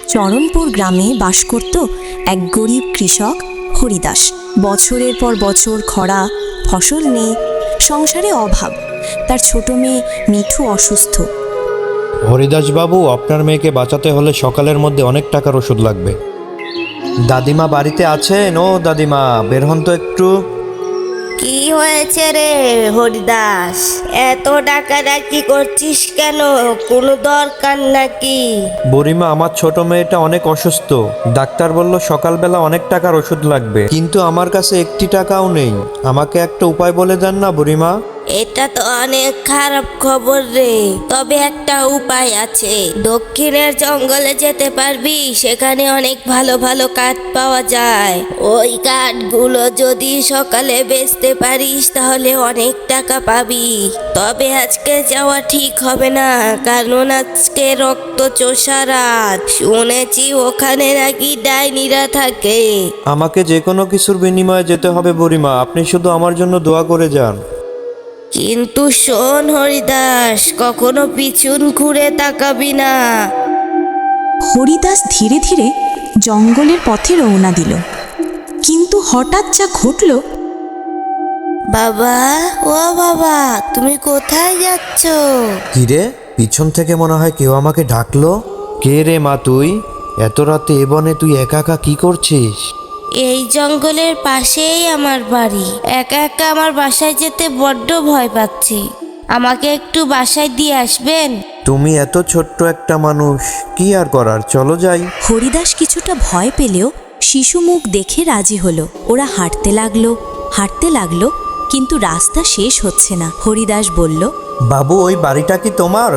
চরণপুর গ্রামে বাস করত এক গরিব কৃষক হরিদাস। বছরের পর বছর খরা, ফসল নেই, সংসারে অভাব। তার ছোট মেয়ে মিঠু অসুস্থ। হরিদাস বাবু, আপনার মেয়েকে বাঁচাতে হলে সকালের মধ্যে অনেক টাকার ওষুধ লাগবে। দাদিমা বাড়িতে আছেন? ও দাদিমা, বের হন তো একটু। কি হয়েছে রে হরিদাস? এত ডাকাডাকি করছিস কেন? কোনো দরকার নাকি? বুড়িমা, আমার ছোট মেয়েটা অনেক অসুস্থ। ডাক্তার বলল সকালবেলা অনেক টাকার ওষুধ লাগবে, কিন্তু আমার কাছে একটি টাকাও নেই। আমাকে একটা উপায় বলে দেন না বুড়িমা। এটা তো অনেক খারাপ খবর রে। তবে একটা উপায় আছে। দক্ষিণের জঙ্গলে যেতে পারবি, সেখানে অনেক ভালো ভালো কাঠ পাওয়া যায়। ওই কাঠগুলো যদি সকালে বেচতে পারিস তাহলে অনেক টাকা পাবি। তবে আজকে যাওয়া ঠিক হবে না, কারণ আজকে রক্ত চোষা রাত। শুনেছি ওখানে নাকি ডাইনিরা থাকে। আমাকে যে কোনো কিছুর বিনিময়ে যেতে হবে বুড়িমা, আপনি শুধু আমার জন্য দোয়া করে যান। কিন্তু শোন হরিদাস, কখনো পিছন ঘুরে তাকাবি না। হরিদাস ধীরে ধীরে জঙ্গলের পথে রওনা দিল। কিন্তু হঠাৎ যা ঘটল, বাবা, ও বাবা, তুমি কোথায় যাচ্ছ? কিরে, পিছন থেকে মনে হয় কেউ আমাকে ডাকলো। কে রে মা তুই? এত রাতে এ বনে তুই একা একা কি করছিস? এই জঙ্গলের পাশেই আমার বাড়ি। একা একা আমার বাসায় যেতে বড্ড ভয় পাচ্ছি। আমাকে একটু বাসায় দিয়ে আসবেন? তুমি এত ছোট্ট একটা মানুষ, কি আর করার, চলো যাই। হরিদাস কিছুটা ভয় পেলেও শিশু মুখ দেখে রাজি হলো। ওরা হাঁটতে লাগলো, কিন্তু রাস্তা শেষ হচ্ছে না। হরিদাস বলল, বাবু, ওই বাড়িটা কি তোমার?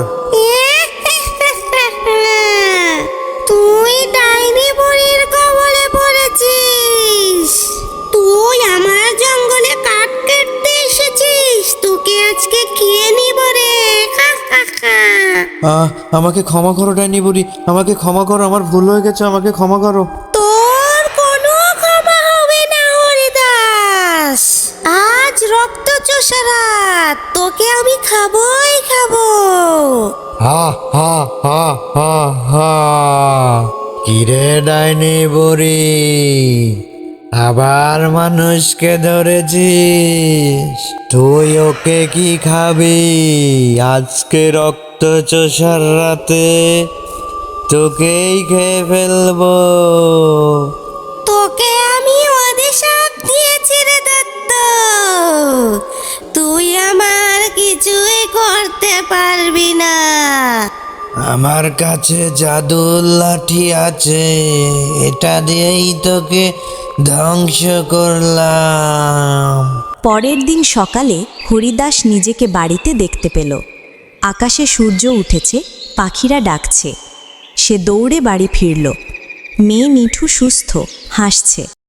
তুই ডাইনি বুড়ির কবলে পড়েছিস। তুই আমার জঙ্গলে কাঠ কাটতে এসেছিস। তোকে আজকে খেয়ে নিব রে। আমাকে ক্ষমা করো ডাইনি বুড়ি, আমাকে ক্ষমা করো, আমার ভুল হয়ে গেছে, আমাকে ক্ষমা করো। তোর কোনো ক্ষমা হবে না হরিদাস। আজ রক্ত চোষা রাত, তোকে আমি খাবোই খাবো। হা হা হা হা হা। কিরে ডাইনি বুড়ি, আবার মানুষকে ধরেছিস? তুই ওকে কি খাবি? আজকে রক্ত চোষার রাতে তোকেই খেয়ে ফেলবো। তোকে আমি অভিশাপ দিয়েছি রে দত্ত। তুই আমার কিছুই করতে পারবি না। আমার কাছে জাদুর লাঠি আছে, এটা দিয়েই তোকে ধ্বংস করলাম। পরের দিন সকালে হরিদাস নিজেকে বাড়িতে দেখতে পেল। আকাশে সূর্য উঠেছে, পাখিরা ডাকছে। সে দৌড়ে বাড়ি ফিরল। মেয়ে মিঠু সুস্থ, হাসছে।